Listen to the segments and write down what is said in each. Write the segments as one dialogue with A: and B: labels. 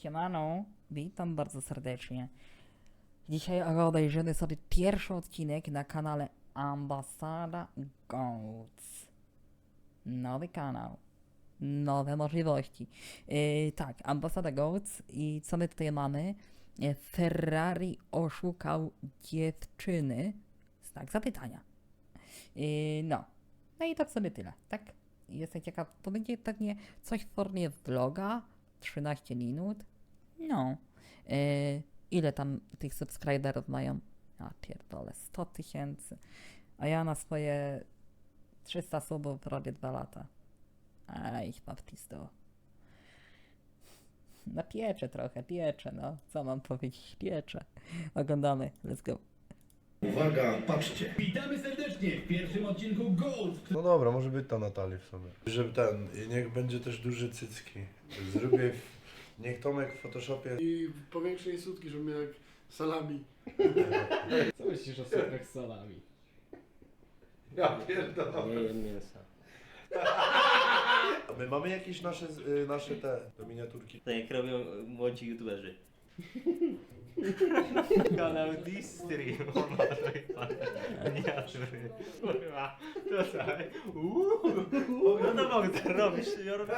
A: Siemano, witam bardzo serdecznie. Dzisiaj obejrzymy sobie pierwszy odcinek na kanale Ambasada Goats. Nowy kanał, nowe możliwości. Tak, Ambasada Goats i co my tutaj mamy? Ferrari oszukał dziewczyny? Znak zapytania. No i tak sobie tyle, tak? Jestem ciekaw, to będzie pewnie coś w formie vloga, 13 minut. No. Ile tam tych subskryberów mają? A pierdolę, 100 000. A ja na swoje 300 subów robię 2 lata. Aj, baptisto. No pieczę trochę, pieczę, no. Co mam powiedzieć? Pieczę. Oglądamy, let's go.
B: Uwaga, patrzcie.
C: Witamy serdecznie w pierwszym odcinku Ghost.
D: No dobra, może być ta Natalii w sumie. Żeby niech będzie też duże cycki. Zrobię, niech Tomek w Photoshopie...
E: I powiększę jej sutki, żeby miał jak salami.
F: Co myślisz o sopach z salami?
D: Ja pierdolę.
F: Nie jem mięsa.
D: A my mamy jakieś nasze te do miniaturki.
G: Tak jak robią młodzi youtuberzy. Kanał Distream. Miniatury. Kurwa, to tak. No to Bogdan, robisz, ja robię.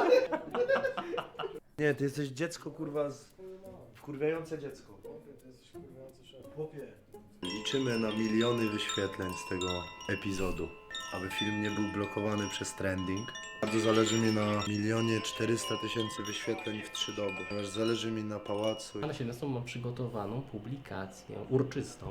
D: Nie, ty jesteś dziecko, kurwa, wkurwiające dziecko.
E: Ty jesteś kurwiający szef.
D: Chłopie. Liczymy na miliony wyświetleń z tego epizodu, aby film nie był blokowany przez trending. Bardzo zależy mi na 1 400 000 wyświetleń w 3 doby. Ponieważ zależy mi na pałacu.
F: Na 17 mam przygotowaną publikację urczystą.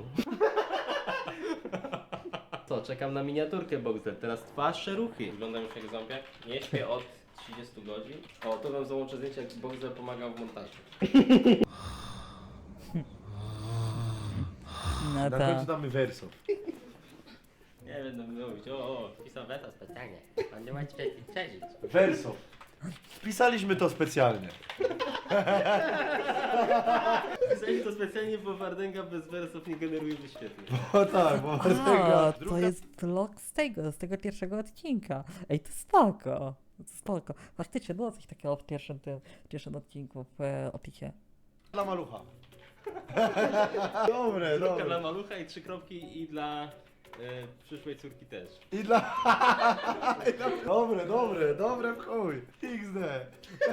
F: Co, czekam na miniaturkę Bogdan. Teraz twarz ruchy. Wyglądam już jak ząbek. Nie śpię od 30 godzin. O, to wam załączę zdjęcie, jak Bogdan pomagał w montażu.
A: No
D: Na końcu damy werso.
G: Nie będę mówić, pisał weta specjalnie. On nie ma ci przeżyć.
D: Werso. Wpisaliśmy to specjalnie.
G: Pisali to specjalnie, bo Wardęga bez wersów nie generuje wyświetleń.
D: O tak, bo
A: A, to jest vlog z tego pierwszego odcinka. Ej, to spoko. To spoko. Faktycznie było coś takiego w pierwszym odcinku w opisie.
D: dla malucha. Dobre,
G: Dla
D: dobre.
G: malucha i 3 kropki i dla przyszłej córki też.
D: I dla... Dobre w chuj. XD.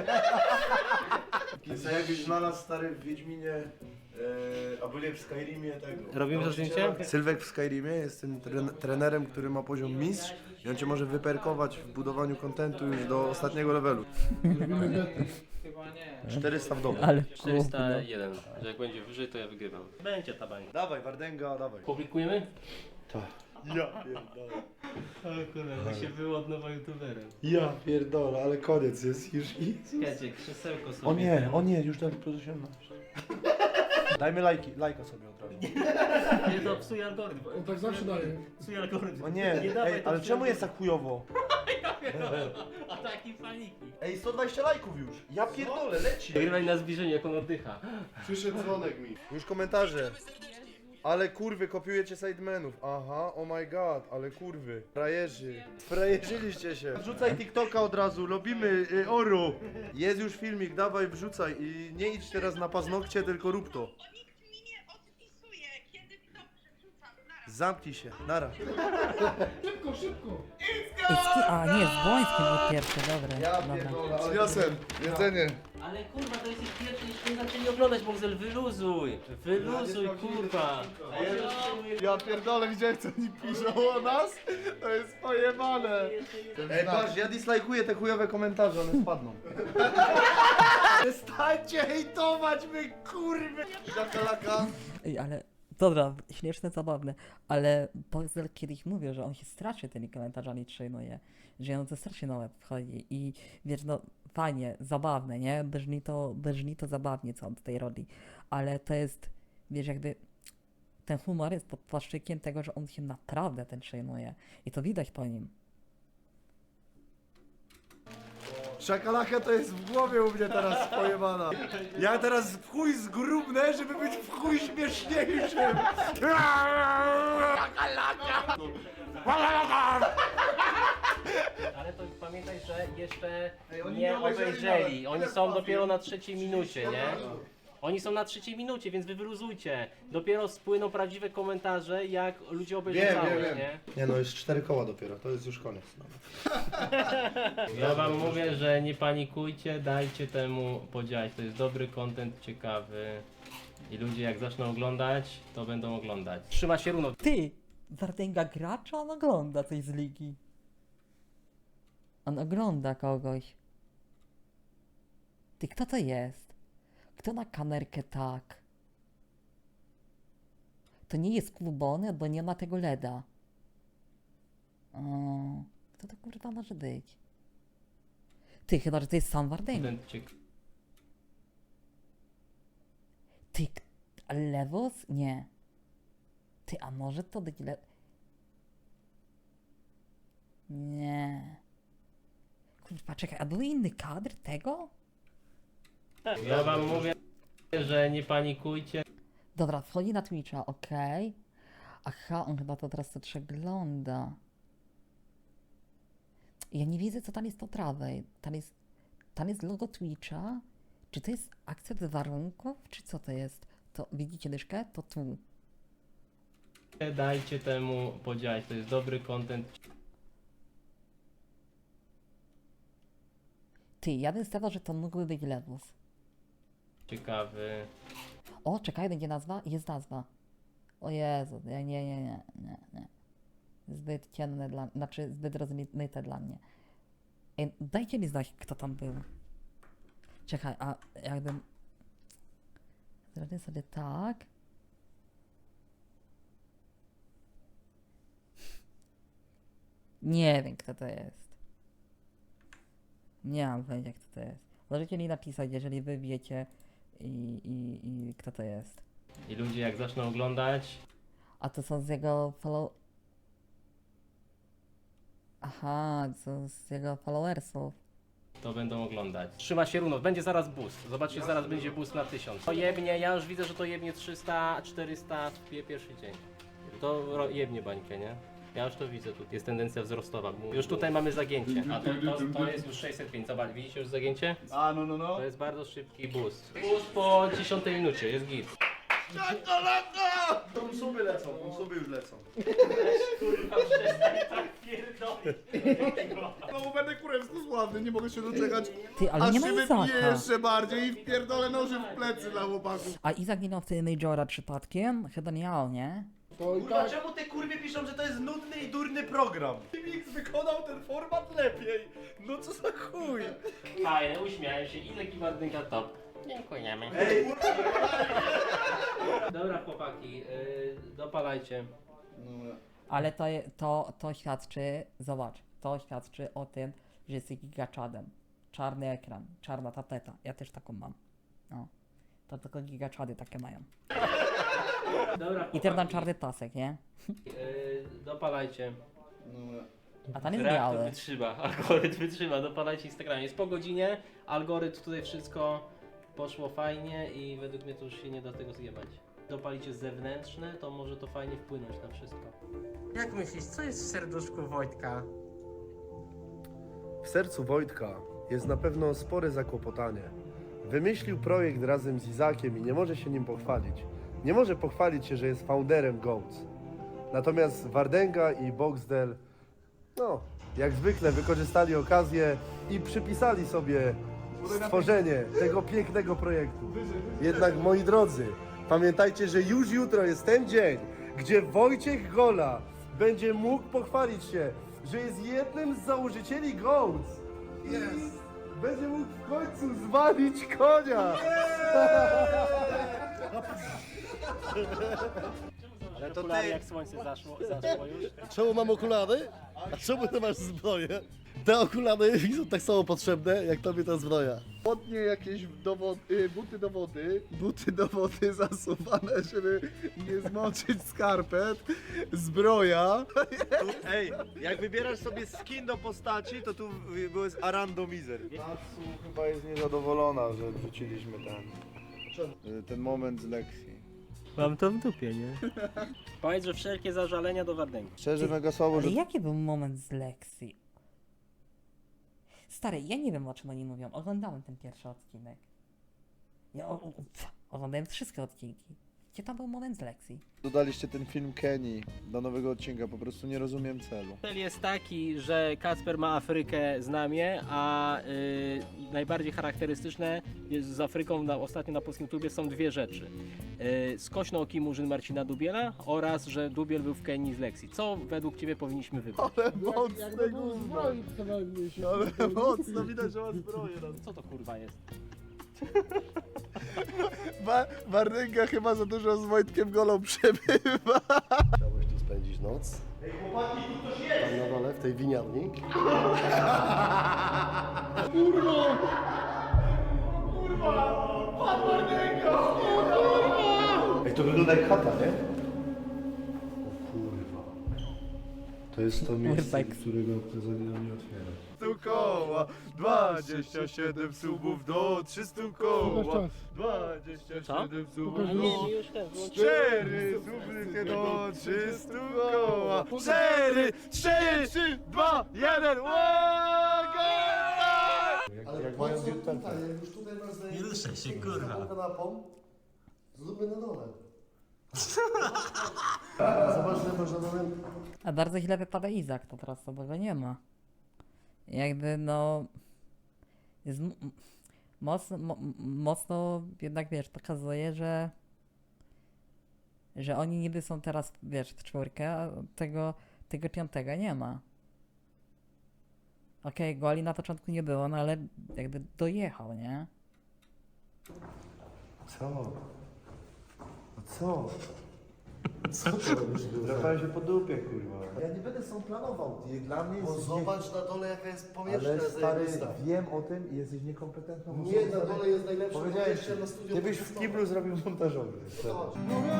D: Jakbyś znalazł stary w Wiedźminie, albo nie, w Skyrimie tego.
G: Robimy to zdjęcie?
D: Sylwek w Skyrimie jest tym trenerem, który ma poziom mistrz i on cię może wyperkować w budowaniu kontentu już do ostatniego levelu.
F: Chyba nie.
D: 400 w domu.
A: Ale
G: 401, że jak będzie wyżej, to ja wygrywam. Będzie ta bańka.
D: Dawaj, Wardęga, dawaj.
G: Publikujemy?
D: Ja pierdolę.
G: Ale kurwa, się był od nowa youtuberem.
D: Ja pierdolę, ale koniec jest już i...
G: Słuchajcie, krzesełko sobie.
D: O nie, już tak plus 18. Dajmy lajka sobie od razu.
G: Nie, to psuje algorytm.
E: On tak zawsze daje.
G: Psuje algorytm.
D: O nie,
G: dawaj,
D: ej,
G: to
D: ale
G: psuje
D: czemu jest tak chujowo?
G: Ataki paniki.
D: Ej, 120 lajków już. Ja pierdolę, leci.
G: Wygrywaj na zbliżenie, jak on oddycha.
E: Przyszedł dzwonek mi.
D: Już komentarze. Ale kurwy, kopiujecie sidemenów. Aha, oh my god, ale kurwy. Frajerzy. Frajerzyliście się. Wrzucaj TikToka od razu, lubimy oru. Jest już filmik, dawaj wrzucaj. I nie idź teraz na paznokcie, tylko rób to.
H: Nikt mi nie odpisuje, kiedy kto przerzucam.
D: Zamknij się, nara.
E: Szybko, szybko!
A: A nie, z Błońskim był pierwszy, dobra.
D: Przyniosłem jedzenie.
G: Ale kurwa, to jest ich pierwszy, jeszcze nie zaczęli oglądać, Bogzel, wyluzuj. Wyluzuj, kurwa.
D: Ja pierdolę, widziałem co oni piszą o nas? To jest pojebane. Ej, patrz, ja dislajkuję te chujowe komentarze, one spadną. Przestańcie hejtować my, kurwy! Szakalaka.
A: Ej, ale dobra, śmieszne, zabawne, ale Boxel kiedyś mówił, że on się strasznie tymi komentarzami przejmuje, że on to strasznie na łeb wchodzi i wiesz, no fajnie, zabawne, nie? Brzmi to zabawnie, co on tutaj robi, ale to jest, wiesz, jakby ten humor jest pod płaszczykiem tego, że on się naprawdę tym przejmuje i to widać po nim.
D: Szakalaka to jest w głowie u mnie teraz pojebana. Ja teraz w chuj zgrubnę, żeby być w chuj śmieszniejszym. Szakalaka!
F: Ale to pamiętaj, że jeszcze
D: oni
F: nie
D: nie obejrzeli
F: obejrzeli.
D: nawet.
F: Oni są dopiero na 3. minucie, nie? Oni są na 3. minucie, więc wy wyluzujcie. Dopiero spłyną prawdziwe komentarze, jak ludzie obejrzą całość, nie?
D: Nie no, jest 4 koła dopiero, to jest już koniec.
F: Ja wam mówię, że nie panikujcie, dajcie temu podziałać. To jest dobry content, ciekawy. I ludzie jak zaczną oglądać, to będą oglądać. Trzyma się równo.
A: Ty! Wardęga gra, czy on ogląda coś z ligi? On ogląda kogoś. Ty, kto to jest? Kto na kamerkę tak? To nie jest klubony, bo nie ma tego LEDa. O, kto to kurwa może być? Ty, chyba, że to jest sam Wardęga.
F: Content ciekawy.
A: Ty, a Lewos? Nie. Ty, a może to być Nie. Kurwa, czekaj, a był inny kadr tego?
F: Ja wam mówię, że nie panikujcie.
A: Dobra, wchodzi na Twitcha, okej. Aha, on chyba to teraz to przegląda. Ja nie widzę, co tam jest po prawej. Tam jest logo Twitcha. Czy to jest akcept warunków, czy co to jest? To widzicie dyszkę? To tu.
F: Dajcie temu podziałać. To jest dobry content.
A: Ty, ja bym stawiał, że to mógłby być Lewus.
F: Ciekawy.
A: O, czekaj, będzie nazwa? Jest nazwa. O Jezu, nie. Zbyt ciemne dla mnie, znaczy zbyt rozmyte dla mnie. Ej, dajcie mi znać, kto tam był. Czekaj, a jakbym... Zrobię sobie tak. Nie wiem, kto to jest. Nie mam pojęcia, kto to jest. Możecie mi napisać, jeżeli wy wiecie i kto to jest.
F: I ludzie jak zaczną oglądać,
A: A to są z jego Aha, to z jego followersów.
F: to będą oglądać. Trzyma się równo, będzie zaraz boost. Zobaczcie, zaraz będzie boost na 1000. To jebnie, ja już widzę, że to jebnie 300, 400 w pierwszy dzień. To jebnie bańkę, nie? Ja już to widzę, tu jest tendencja wzrostowa. Już tutaj mamy zagięcie, a to jest już 605. Zobacz, widzicie już zagięcie?
E: A, no.
F: To jest bardzo szybki boost. Boost po 10 minucie, jest git.
D: Konsumy lecą, konsumy już lecą.
F: Kurwa, przestań tak pierdolić.
E: No będę kurewsko sławny, nie mogę się doczekać.
A: Ty, ale nie ma Izaka.
E: jeszcze bardziej i wpierdolę noży w plecy dla chłopaków.
A: A Izak nie miał wtedy Majora przypadkiem? Chyba miał, nie?
E: To i
D: Kurwa,
E: tak.
D: czemu te kurwie piszą, że to jest nudny i durny program? Mix wykonał ten format lepiej. No co za chuj.
F: Fajne, uśmiałem się. Ile Kiwardynka top? Dziękujemy.
D: Ej,
F: Dobra chłopaki, dopalajcie.
A: Ale to świadczy, zobacz, to świadczy o tym, że jesteś gigaczadem. Czarny ekran, czarna tapeta. Ja też taką mam. No. To tylko gigaczady takie mają.
F: Dobra
A: I też mam czarny pasek, nie?
F: Dopalajcie.
A: A tam jest
F: Reaktor
A: biały.
F: wytrzyma, algorytm wytrzyma, dopalajcie Instagramie. Jest po godzinie, algorytm tutaj wszystko poszło fajnie i według mnie to już się nie da tego zjebać. Dopalicie zewnętrzne, to może to fajnie wpłynąć na wszystko.
G: Jak myślisz, co jest w serduszku Wojtka?
D: W sercu Wojtka jest na pewno spore zakłopotanie. Wymyślił projekt razem z Izakiem i nie może się nim pochwalić. Nie może pochwalić się, że jest founderem GOATS. Natomiast Wardęga i Boxdel, no, jak zwykle wykorzystali okazję i przypisali sobie stworzenie tego pięknego projektu. Jednak, moi drodzy, pamiętajcie, że już jutro jest ten dzień, gdzie Wojciech Gola będzie mógł pochwalić się, że jest jednym z założycieli GOATS. Yes. Będzie mógł w końcu zwalić konia.
F: Ale to ty... jak słońce zaszło już.
I: Czemu mam okulary? A czemu ty masz zbroję? Te okulary mi są tak samo potrzebne, jak tobie ta zbroja.
E: Spodnie jakieś buty do wody zasuwane, żeby nie zmoczyć skarpet, zbroja.
D: Ej, jak wybierasz sobie skin do postaci, to tu jest Arandomizer. Natsu chyba jest niezadowolona, że wrzuciliśmy ten moment z lekcji.
F: Mam to w dupie, nie? Powiedz, że wszelkie zażalenia do Wardęgi.
D: Szczerze, mega słabo,
A: Ale
D: że
A: jaki był moment z lekcji? Stary, ja nie wiem, o czym oni mówią. Oglądałem ten pierwszy odcinek. Ja oglądałem wszystkie odcinki. Gdzie tam był moment z lekcji?
E: Dodaliście ten film Kenny do nowego odcinka, po prostu nie rozumiem celu.
F: Cel jest taki, że Kacper ma Afrykę znamie, a najbardziej charakterystyczne jest z Afryką ostatnio na polskim klubie są dwie rzeczy. Skośno oki murzyn Marcina Dubiela oraz, że Dubiel był w Kenii z lekcji. Co według Ciebie powinniśmy wybrać?
E: Ale mocne gówno. Ale mocno, widać, że ma zbroję.
F: Co to kurwa jest?
E: Marynka chyba za dużo z Wojtkiem Golą przebywa.
I: Chciałbyś tu spędzić noc? Ej, chłopaki, tu ktoś jest! Tam na dole, w tej winiarni.
D: Ej, to wygląda jak chata, nie?
I: O kurwa. To jest to miejsce, którego prezydent nie otwiera.
E: 300 koła, 27 subów do 300 koła, 27 subów do...
F: już ten,
E: 4 suby do 300 koła, 4, 3, 2, 1,
I: Ale mają tutaj, jak już tutaj masz zajęcie... Nie ruszaj się, kurwa. Kanapą, zróbmy na dole. Zobacz, że masz na dole...
A: A bardzo źle wypada Izak, to teraz to, bo go nie ma. Jakby no... Jest mocno jednak, wiesz, pokazuje, że oni niby są teraz, wiesz, w czwórkę, a tego piątego nie ma. Okej, goli na początku nie było, no ale jakby dojechał, nie?
D: Co? No co?
I: Co ty robisz?
D: Drapałem się po dupie, kurwa.
E: Ja nie będę są planował, dla mnie
I: Bo zobacz na dole, jaka jest powierzchnia
D: Ale stary,
I: zajebista.
D: wiem o tym i jesteś niekompetentną osobą.
I: Nie, na dole jest najlepsza
D: Powiedziałem
I: powierzchnia
D: ci,
I: na studio.
D: ty byś w kiblu zrobił montażowy.
I: Zobacz.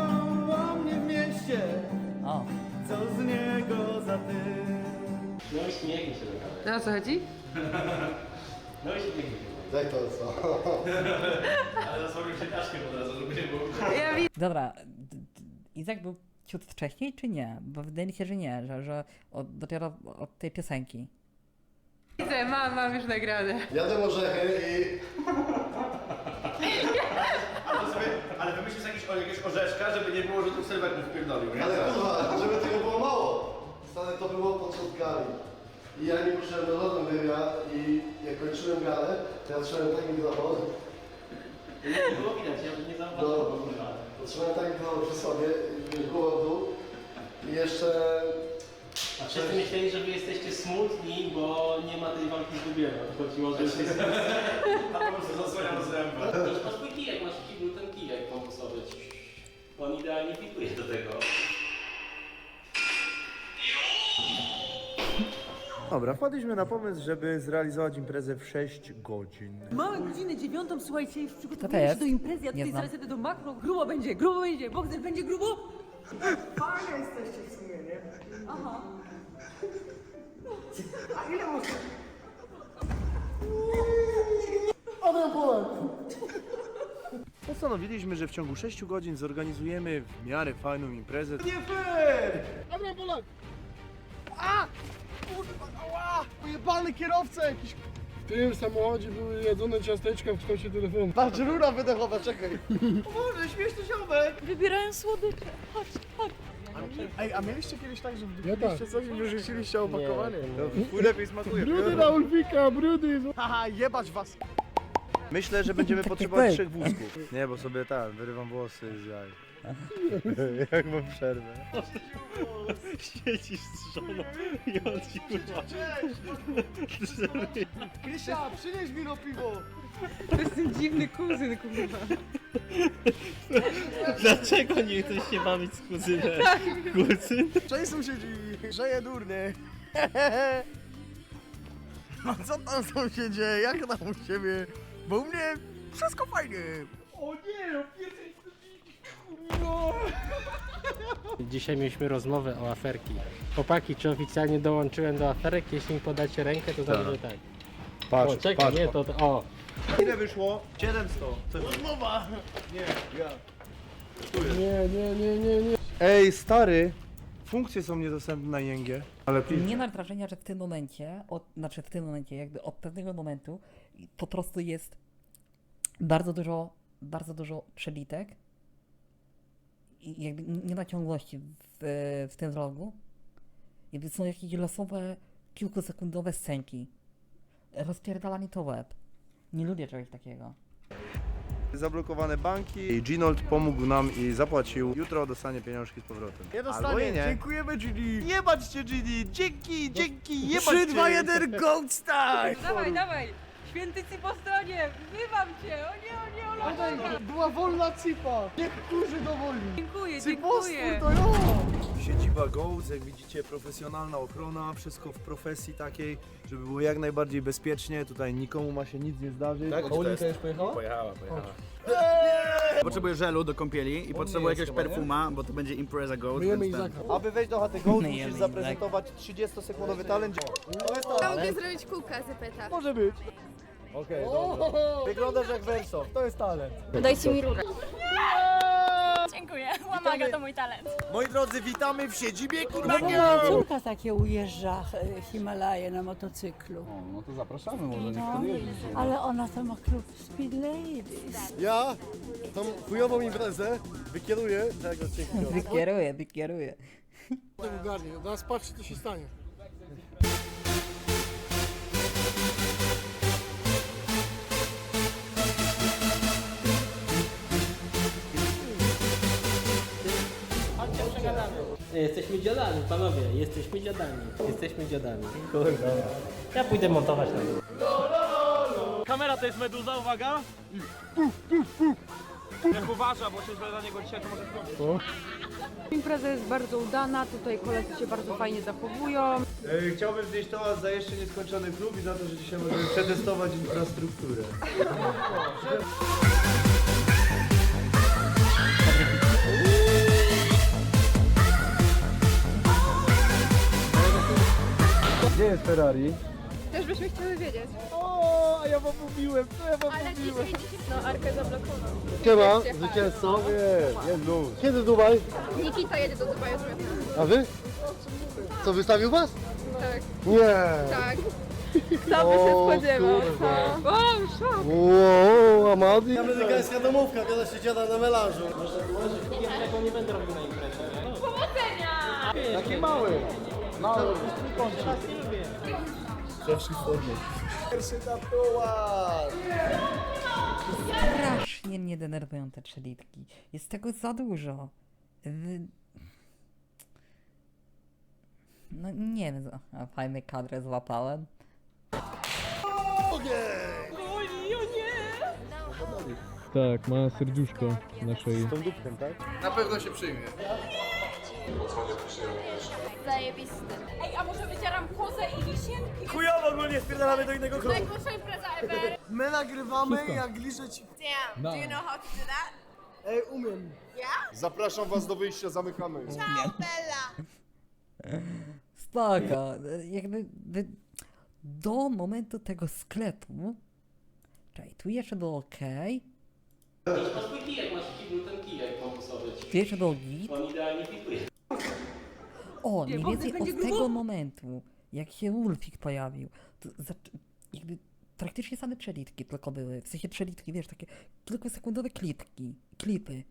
A: O,
F: No i śmiechnij się do kamery.
J: No o co chodzi?
F: No i śmiechnij się.
I: Daj to, co?
J: Ja widzę.
A: dobra, Izak był ciut wcześniej, czy nie? Bo wydaje mi się, że nie, że dopiero od tej piosenki.
J: Mam już nagrane.
I: Jadę orzechy i...
B: Ale wymyślisz jakiegoś orzeszka, żeby nie było, że tu sylwetów wpierdolił, nie?
I: Ale kurwa, żeby tego było mało. Stary, to było podczas gali. I ja nie poszedłem do żadnego wywiad i jak kończyłem galę, to ja trzymałem taki mikrofon.
F: Nie było widać, ja nie zauważyłem.
I: No, trzymałem taki mikrofon przy sobie, głową w dół. I jeszcze...
F: A wszyscy myśleli, że wy jesteście smutni, bo nie ma tej walki z Dubielem. Chodziło, że jesteście...
B: A po prostu zasłaniam zęby.
F: Masz twój kijek, masz w kiblu ten kijek bambusowy. On idealnie fituje do tego.
D: Dobra, wpadliśmy na pomysł, żeby zrealizować imprezę w 6 godzin.
J: Mamy godzinę 9, słuchajcie, już
A: To
J: przygotowujemy
A: jest?
J: się do imprezy, ja
A: Nie
J: tutaj
A: znam.
J: zaraz jadę do makro. Grubo będzie, Boxer będzie grubo.
K: Fajne jesteście w sumie, nie?
J: Aha.
K: A ile można?
D: Postanowiliśmy, że w ciągu 6 godzin zorganizujemy w miarę fajną imprezę.
E: Adrian Polak! A! Kurwa, ała! Pojebany kierowca jakiś!
L: W tym samochodzie były jedzone ciasteczka w kształcie telefonu.
E: Patrz, rura wydechowa, czekaj!
K: Boże, śmieszny ziomek!
J: Wybierają słodycze. Chodź, chodź.
E: Ej, a mieliście kiedyś tak, że
L: Ja
E: wdupiliście coś i wyrzuciliście opakowanie? To lepiej smakuje.
L: Brudy na Ulfika, brudy!
E: Haha, jebać was!
D: Myślę, że będziemy potrzebować 3 wózków. Nie, bo sobie wyrywam włosy z jaj. Jak mam przerwę.
F: Siedzisz z żoną i on ci kurwa.
E: Krysia, przynieś mi no piwo!
J: To jest ten dziwny kuzyn, kurwa.
F: Dlaczego nie chcesz się bawić z kuzynem? Kuzyn?
E: Cześć sąsiedzi, grzeje durny. No co tam sąsiedzie, jak tam u ciebie? Bo u mnie wszystko fajnie. O nie,
F: Dzisiaj mieliśmy rozmowę o aferki. Chłopaki, czy oficjalnie dołączyłem do aferek? Jeśli mi podacie rękę, to znaczy, że tak.
D: Patrz,
F: O, czekaj, nie, to o.
D: Ile wyszło? 700.
E: rozmowa.
L: Nie.
D: Ej, stary, funkcje są niedostępne na ING. Ale
A: Nie masz wrażenia, że w tym momencie, znaczy w tym momencie, jakby od pewnego momentu po prostu jest bardzo dużo przelitek i jakby nie ma ciągłości w tym vlogu. Jakby są jakieś losowe, kilkusekundowe scenki. Rozpierdala mi to łeb. Nie lubię czegoś takiego.
D: zablokowane banki. I Ginold pomógł nam i zapłacił. Jutro dostanie pieniążki z powrotem.
E: Nie
D: Albo
E: dostanie.
D: i nie.
E: Dziękujemy, Gini.
D: Jebać cię, Gini! Dzięki, jebać
E: 3,
D: cię!
E: 2, 1, Goat Style!
J: Dawaj, dawaj! Święty ci po stronie! Wzywam cię! O nie, o nie,
L: Była wolna cipa. Niektórzy dowoli.
J: Dziękuję,
L: Cypostwór
J: dziękuję!
L: to jo!
D: Siedziba Goats, jak widzicie, profesjonalna ochrona, wszystko w profesji takiej, żeby było jak najbardziej bezpiecznie, tutaj nikomu ma się nic nie zdarzyć.
L: Tak, Paulinka już pojechała?
B: Pojechała.
E: Potrzebuję żelu do kąpieli i potrzebuję jakiegoś perfuma, bo to będzie Impreza Goat.
L: Myjemy
E: więc ten.
L: Izaka.
D: Aby wejść do chaty Goats,
A: Myjemy
D: musisz
A: Izaka.
D: zaprezentować 30-sekundowy talent. To jest
J: Mogę zrobić kółka z pyta.
L: Może być.
D: Okej, dobra. Wyglądasz jak Verso, to jest talent.
J: Dajcie mi rurę. Dziękuję, łamaga to mój talent.
E: Moi drodzy, witamy w siedzibie
J: Moja córka takie ujeżdża Himalaje na motocyklu.
L: No to zapraszamy, może niech
J: No,
L: podjedzie.
J: ale ona to ma klub Speed Ladies.
I: Ja tą chujową imprezę wykieruję tego ciekawe.
A: Wykieruję.
L: To ogarnie, teraz patrzcie co się stanie.
G: Jesteśmy dziadami, panowie, jesteśmy dziadami. Jesteśmy dziadami. Kurwa. Ja pójdę montować na górę. Kamera to jest meduza, uwaga! Jak uważa, bo się źle na niego dzisiaj to może skończyć.
J: Impreza jest bardzo udana, tutaj koledzy się bardzo fajnie zachowują.
D: Chciałbym znieść toast za jeszcze nieskończony klub i za to, że dzisiaj możemy przetestować infrastrukturę. Gdzie jest Ferrari?
J: Też byśmy chcieli wiedzieć.
L: O, a ja wam mówiłem, co ja wam
J: Ale
L: mówiłem?
J: dzisiaj no Arkę zablokował.
I: Siema, zwycięzco. Jest luz. Kiedy Dubaj?
J: Nikita jedzie do Dubaju.
I: A wy? Co, wystawił was?
J: Tak.
I: Nie.
J: Tak. Kto by się spodziewał? Wow, szok!
I: Wow, Amadi. Amerykańska domówka, kiedy się dziada na melanżu.
G: Tego nie będę robił na imprezie, nie?
J: Powodzenia!
L: Taki mały. Mały.
I: Zawsze w formie. Pierwszy tatuaż.
A: Strasznie mnie denerwują te przelitki. Jest tego za dużo. No nie wiem, a fajny kadrę złapałem.
L: Tak, ma serduszko naszej.
I: Tą dupkiem, tak?
E: Na pewno się przyjmie.
J: Zajebisty. Ej, a może wycieram kozę i wisienki?
E: Chujowo, ogólnie spierdalamy do innego klubu.
J: Najgorsza impreza ever.
L: My nagrywamy, jak liczę ci.
H: Damn, do you know how to do that?
L: Ej, umiem.
I: Zapraszam was do wyjścia, zamykamy.
H: Ciao, Bella!
A: Spoko. Jakby do momentu tego sklepu. Czekaj, tu jeszcze było ok.
G: Masz twój kijek, masz ten kijek bambusowy.
A: Tu jeszcze było git.
G: On idealnie fituje.
A: O, mniej
J: Bogdan
A: więcej
J: będzie
A: od
J: grubo?
A: tego momentu, jak się Ulfik pojawił, to jakby praktycznie same przelitki tylko były. W sensie przelitki, wiesz, takie kilkusekundowe klipy.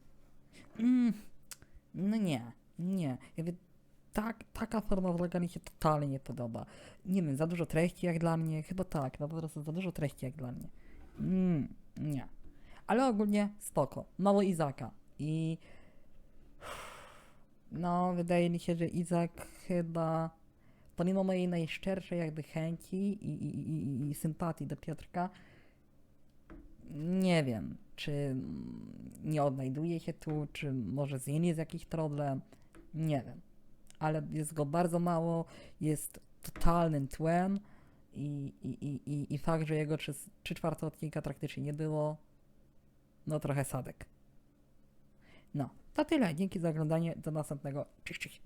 A: No nie. Jakby taka forma vloga mi się totalnie nie podoba. Nie wiem, za dużo treści jak dla mnie, chyba tak, no po prostu za dużo treści jak dla mnie. Nie. Ale ogólnie spoko. Mało Izaka i no, wydaje mi się, że Izak chyba, pomimo mojej najszczerszej jakby chęci i sympatii do Piotrka, nie wiem, czy nie odnajduje się tu, czy może z nim jest jakiś problem, nie wiem. Ale jest go bardzo mało, jest totalnym tłem i fakt, że jego 3/4 odcinka praktycznie nie było, no trochę sadek. No, to tyle. Dzięki za oglądanie. Do następnego. Cześć.